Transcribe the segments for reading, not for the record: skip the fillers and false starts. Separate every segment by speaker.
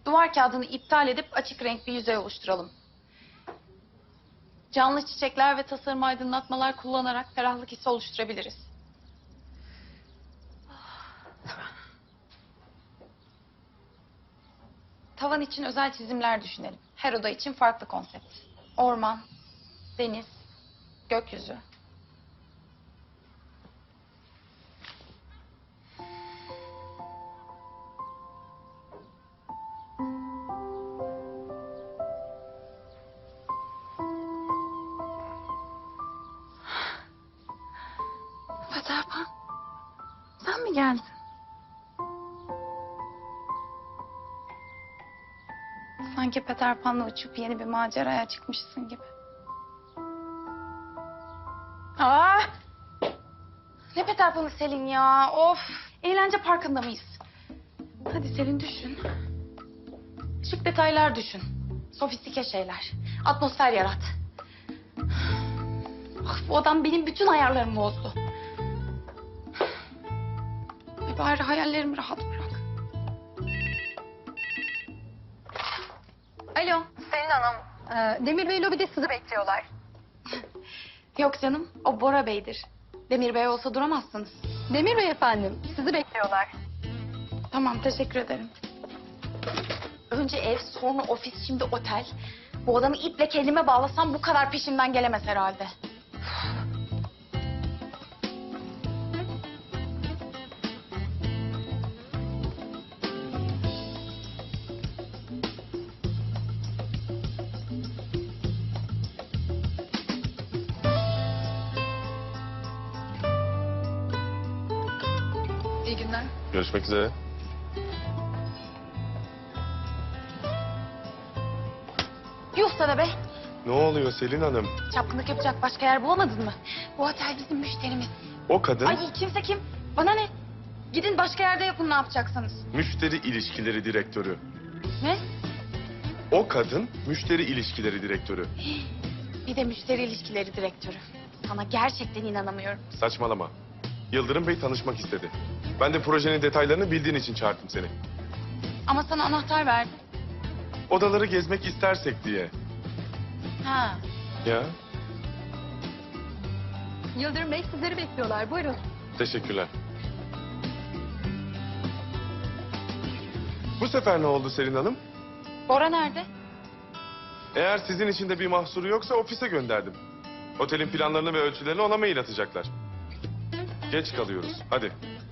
Speaker 1: Duvar kağıdını iptal edip açık renk bir yüzey oluşturalım. Canlı çiçekler ve tasarım aydınlatmalar kullanarak ferahlık hissi oluşturabiliriz. Tavan için özel çizimler düşünelim. Her oda için farklı konsept. Orman, deniz, gökyüzü. Peter Pan, sen mi geldin? Sanki Peter Pan'la uçup yeni bir maceraya çıkmışsın gibi. Aa! Ne Peter Pan'ı Selin ya? Of! Eğlence parkında mıyız? Hadi Selin düşün. Şık detaylar düşün. Sofistike şeyler. Atmosfer yarat. Ah, bu adam benim bütün ayarlarımı bozdu. Bari hayallerimi rahat bırak. Alo.
Speaker 2: Selin Hanım, Demir Bey lobide sizi bekliyorlar.
Speaker 1: Yok canım, o Bora Bey'dir. Demir Bey olsa duramazsınız.
Speaker 2: Demir Bey efendim, sizi bekliyorlar.
Speaker 1: Tamam, teşekkür ederim. Önce ev, sonra ofis, şimdi otel. Bu adamı iple kendime bağlasam bu kadar peşimden gelemez herhalde.
Speaker 2: İyi günler.
Speaker 3: Görüşmek üzere.
Speaker 1: Yuh sana be!
Speaker 3: Ne oluyor Selin Hanım?
Speaker 1: Çapkınlık yapacak başka yer bulamadın mı? Bu otel bizim müşterimiz.
Speaker 3: O kadın
Speaker 1: Ay kimse kim? Bana ne? Gidin başka yerde yapın ne yapacaksanız.
Speaker 3: müşteri ilişkileri direktörü.
Speaker 1: Ne?
Speaker 3: O kadın müşteri ilişkileri direktörü.
Speaker 1: Bir de müşteri ilişkileri direktörü. Sana gerçekten inanamıyorum.
Speaker 3: Saçmalama. Yıldırım Bey tanışmak istedi. Ben de projenin detaylarını bildiğin için çağırdım seni.
Speaker 1: Ama sana anahtar verdim.
Speaker 3: Odaları gezmek istersek diye.
Speaker 1: Ha.
Speaker 3: Ya,
Speaker 2: Yıldırım Bey sizleri bekliyorlar. Buyurun.
Speaker 3: teşekkürler. Bu sefer ne oldu Selin Hanım?
Speaker 1: Bora nerede?
Speaker 3: Eğer sizin için de bir mahsuru yoksa ofise gönderdim. Otelin planlarını ve ölçülerini ona mail atacaklar. Geç kalıyoruz. Hadi.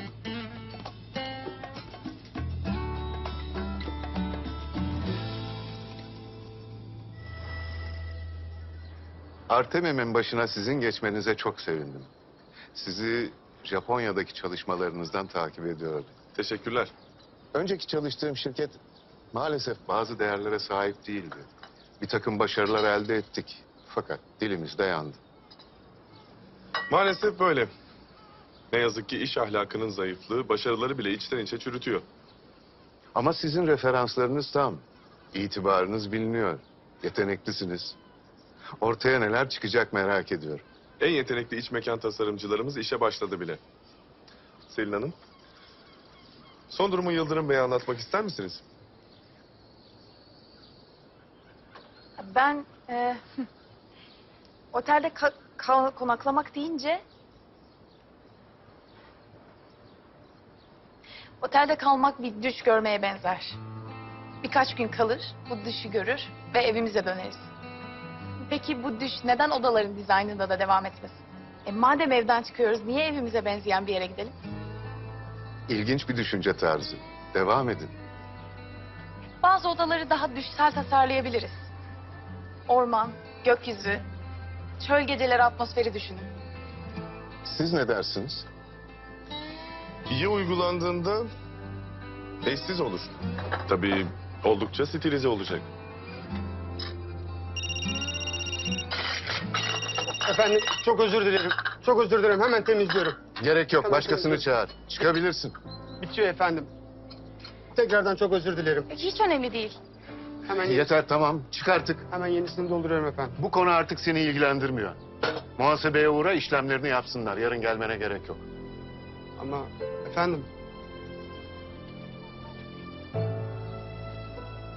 Speaker 4: Artemim'in başına sizin geçmenize çok sevindim. Sizi Japonya'daki çalışmalarınızdan takip ediyordum.
Speaker 3: Teşekkürler.
Speaker 4: Önceki çalıştığım şirket maalesef bazı değerlere sahip değildi. Bir takım başarılar elde ettik. Fakat dilimiz de yandı.
Speaker 3: Maalesef böyle. Ne yazık ki iş ahlakının zayıflığı başarıları bile içten içe çürütüyor.
Speaker 4: Ama sizin referanslarınız tam. İtibarınız biliniyor. Yeteneklisiniz. Ortaya neler çıkacak merak ediyorum.
Speaker 3: En yetenekli iç mekan tasarımcılarımız işe başladı bile. Selin Hanım, son durumu Yıldırım Bey'e anlatmak ister misiniz?
Speaker 1: Ben otelde konaklamak deyince... Otelde kalmak bir düş görmeye benzer. Birkaç gün kalır, bu düşü görür ve evimize döneriz. Peki bu düş neden odaların dizaynında da devam etmesin? Madem evden çıkıyoruz, niye evimize benzeyen bir yere gidelim?
Speaker 4: İlginç bir düşünce tarzı. Devam edin.
Speaker 1: Bazı odaları daha düşsel tasarlayabiliriz. Orman, gökyüzü, çöl geceleri atmosferi düşünün.
Speaker 4: Siz ne dersiniz?
Speaker 3: İyi uygulandığında eşsiz olur. Tabii oldukça stilize olacak.
Speaker 5: Efendim çok özür dilerim. Çok özür dilerim. Hemen temizliyorum.
Speaker 4: Gerek yok.
Speaker 5: Tamam,
Speaker 4: Başkasını
Speaker 5: tamam.
Speaker 4: çağır. Çıkabilirsin.
Speaker 5: Bitiyor efendim. Tekrardan çok özür dilerim.
Speaker 1: Hiç önemli değil.
Speaker 4: Yeter tamam. Çık artık.
Speaker 5: Hemen yenisini dolduruyorum efendim.
Speaker 4: Bu konu artık seni ilgilendirmiyor. Muhasebeye uğra, işlemlerini yapsınlar. Yarın gelmene gerek yok.
Speaker 5: Ama efendim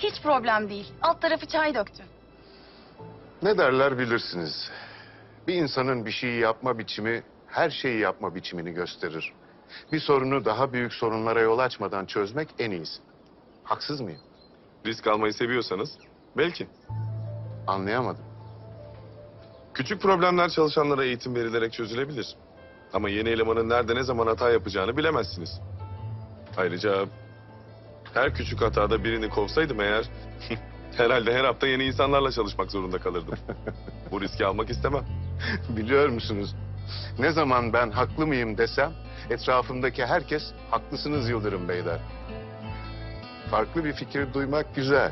Speaker 1: Hiç problem değil. Alt tarafı çay döktü.
Speaker 4: Ne derler bilirsiniz. Bir insanın bir şeyi yapma biçimi her şeyi yapma biçimini gösterir. Bir sorunu daha büyük sorunlara yol açmadan çözmek en iyisi. Haksız mıyım?
Speaker 3: Risk almayı seviyorsanız belki.
Speaker 4: Anlayamadım.
Speaker 3: Küçük problemler çalışanlara eğitim verilerek çözülebilir. Ama yeni elemanın nerede ne zaman hata yapacağını bilemezsiniz. Ayrıca her küçük hatada birini kovsaydım eğer... herhalde her hafta yeni insanlarla çalışmak zorunda kalırdım. Bu riski almak istemem.
Speaker 4: Biliyor musunuz? Ne zaman ben haklı mıyım desem etrafımdaki herkes haklısınız Yıldırım Bey der. Farklı bir fikir duymak güzel.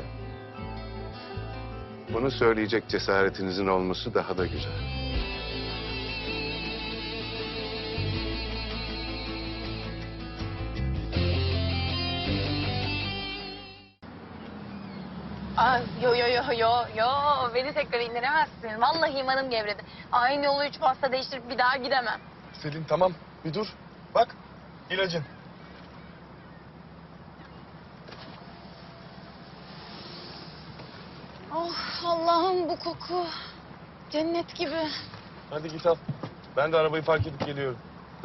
Speaker 4: Bunu söyleyecek cesaretinizin olması daha da güzel.
Speaker 1: Aa, yo. Beni tekrar indiremezsin. Vallahi imanım gevredi. Aynı yolu 3 pasta değiştirip bir daha gidemem.
Speaker 3: Selin tamam bir dur. Bak ilacın.
Speaker 1: Oh Allah'ım bu koku. Cennet gibi.
Speaker 3: Hadi git al. Ben de arabayı park edip geliyorum.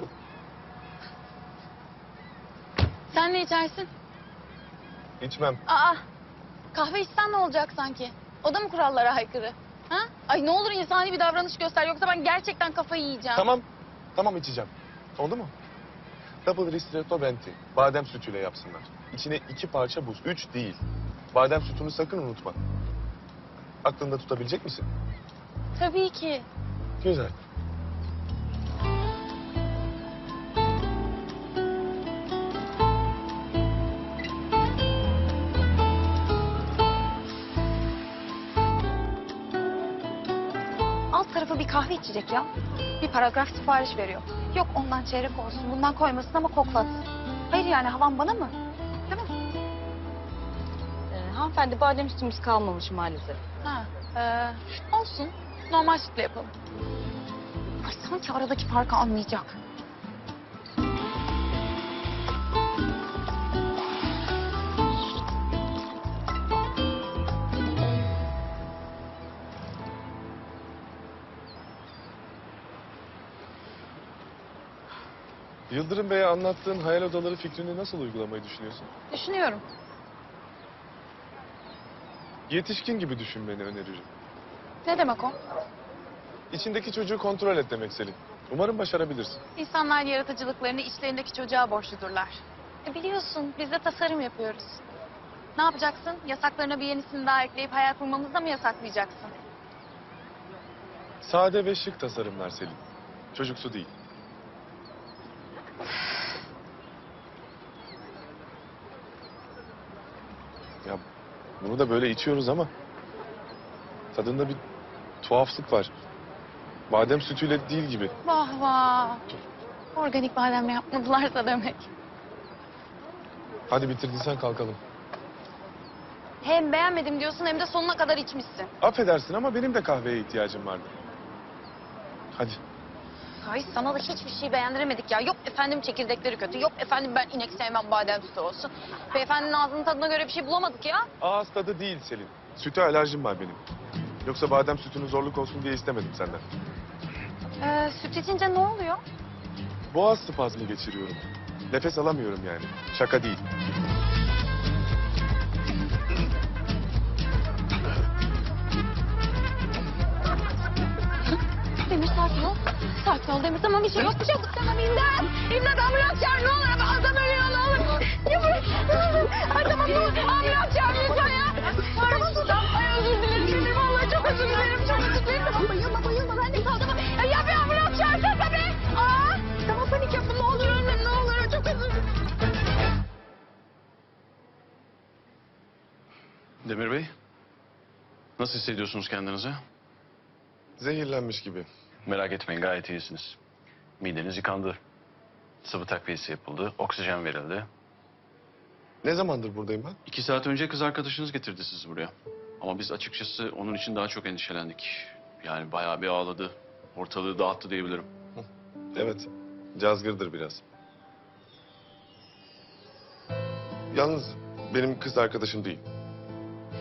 Speaker 1: Sen ne içersin?
Speaker 3: İçmem.
Speaker 1: Aa, kahve içsen ne olacak sanki? O da mı kurallara aykırı? Ha? Ay ne olur insani bir davranış göster yoksa ben gerçekten kafayı yiyeceğim.
Speaker 3: Tamam içeceğim. Oldu mu? Double ristretto venti. Badem sütüyle yapsınlar. İçine 2 parça buz. 3 değil. Badem sütünü sakın unutma. Aklında tutabilecek misin?
Speaker 1: Tabii ki.
Speaker 3: Güzel.
Speaker 1: Alt tarafı bir kahve içecek ya. Bir paragraf sipariş veriyor. Yok ondan çeyrek olsun, bundan koymasın ama koklatsın. Hayır yani havan bana mı? Değil mi?
Speaker 6: Hanımefendi badem sütümüz kalmamış maalesef.
Speaker 1: Ha, olsun. Normal sütle yapalım. Ay sanki aradaki farkı anlayacak.
Speaker 3: Yıldırım Bey'e anlattığın hayal odaları fikrini nasıl uygulamayı düşünüyorsun?
Speaker 1: Düşünüyorum.
Speaker 3: Yetişkin gibi düşünmeni öneririm.
Speaker 1: Ne demek o?
Speaker 3: İçindeki çocuğu kontrol et demek Selin. Umarım başarabilirsin.
Speaker 1: İnsanlar yaratıcılıklarını içlerindeki çocuğa borçludurlar. Biliyorsun biz de tasarım yapıyoruz. Ne yapacaksın? Yasaklarına bir yenisini daha ekleyip hayal kurmamızı da mı yasaklayacaksın?
Speaker 3: Sade ve şık tasarımlar Selin. Çocuksu değil. Ya bunu da böyle içiyoruz ama tadında bir tuhaflık var. Badem sütüyle değil gibi.
Speaker 1: Vah vah. Organik bademle yapmadılarsa demek.
Speaker 3: Hadi bitirdiysen kalkalım.
Speaker 1: Hem beğenmedim diyorsun hem de sonuna kadar içmişsin.
Speaker 3: Affedersin ama benim de kahveye ihtiyacım vardı. Hadi.
Speaker 1: Ay sana da hiçbir şey beğendiremedik ya. Yok efendim çekirdekleri kötü. Yok efendim ben inek sevmem badem sütü olsun. Beyefendinin ağzının tadına göre bir şey bulamadık ya.
Speaker 3: Ağız tadı değil Selin. Süte alerjim var benim. Yoksa badem sütünün zorluk olsun diye istemedim senden.
Speaker 1: Süt içince ne oluyor?
Speaker 3: Boğaz spazmı geçiriyorum. Nefes alamıyorum yani. Şaka değil.
Speaker 1: Demir sakin ol. Sakin ol Demir. Tamam bir şey yok. Bir şey yok. Tamam imdat. İmdat ambulans çağır. Ne olur ama adam ölüyor ne olur. Yavrum. Ay tamam ne olur. Ambulans çağır lütfen ya. Tamam. Ay özür dilerim. Demir vallahi çok özür dilerim. Çok özür dilerim. Tamam bayılma. Ben de kaldım. Ya bir ambulans çağırsana be. Aa. Tamam panik yapma. Ne olur ölme. Ne olur. Çok özür dilerim.
Speaker 7: Demir Bey, nasıl hissediyorsunuz kendinizi?
Speaker 3: Zehirlenmiş gibi.
Speaker 7: Merak etmeyin, gayet iyisiniz. Mideniz yıkandı. Sıvı takviyesi yapıldı, oksijen verildi.
Speaker 3: Ne zamandır buradayım ben?
Speaker 7: 2 saat önce kız arkadaşınız getirdi sizi buraya. Ama biz açıkçası onun için daha çok endişelendik. Yani bayağı bir ağladı. Ortalığı dağıttı diyebilirim.
Speaker 3: Evet. Cazgırdır biraz. Yalnız benim kız arkadaşım değil.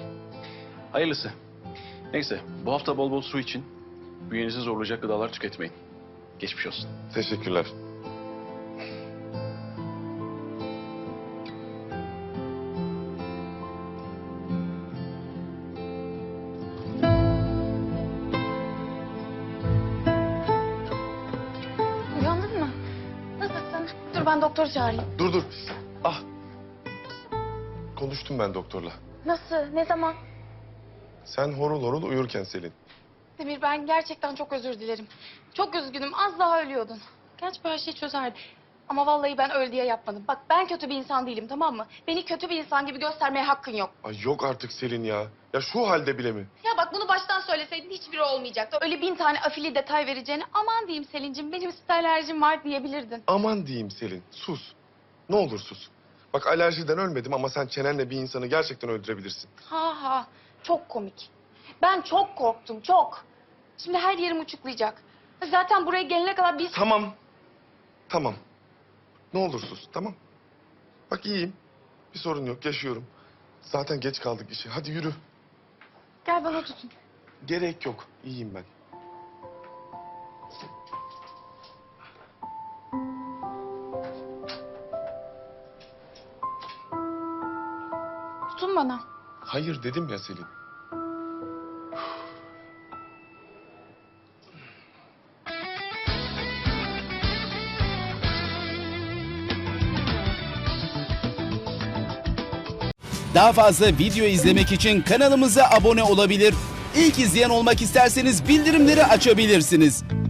Speaker 7: Hayırlısı. Neyse, bu hafta bol bol su için. Bünyenizi zorlayacak gıdalar tüketmeyin. Geçmiş olsun.
Speaker 3: Teşekkürler.
Speaker 1: Uyandın mı? Nasılsın? Dur ben doktoru çağırayım.
Speaker 3: Dur dur. Ah. Konuştum ben doktorla.
Speaker 1: Nasıl? Ne zaman?
Speaker 3: Sen horul horul uyurken Selin.
Speaker 1: Demir ben gerçekten çok özür dilerim. Çok üzgünüm. Az daha ölüyordun. Gerçi bu her şeyi çözerdi. Ama vallahi ben öl diye yapmadım. Bak ben kötü bir insan değilim, tamam mı? Beni kötü bir insan gibi göstermeye hakkın yok.
Speaker 3: Ay yok artık Selin ya. Ya şu halde bile mi?
Speaker 1: Ya bak bunu baştan söyleseydin hiçbiri olmayacaktı. Öyle 1000 tane afili detay vereceğine aman diyeyim Selin'cim benim süt alerjim var diyebilirdin.
Speaker 3: Aman diyeyim Selin. Sus. Ne olur sus. Bak alerjiden ölmedim ama sen çenenle bir insanı gerçekten öldürebilirsin.
Speaker 1: Ha ha çok komik. Ben çok korktum çok. Şimdi her yerim uçuklayacak. Zaten buraya gelene kadar biz...
Speaker 3: Tamam. Tamam. Ne olur sus, tamam. Bak iyiyim. Bir sorun yok, yaşıyorum. Zaten geç kaldık işe. Hadi yürü.
Speaker 1: Gel bana tutun.
Speaker 3: Gerek yok. İyiyim ben.
Speaker 1: Tutun bana.
Speaker 3: Hayır dedim ya Selin.
Speaker 8: Daha fazla video izlemek için kanalımıza abone olabilir. İlk izleyen olmak isterseniz bildirimleri açabilirsiniz.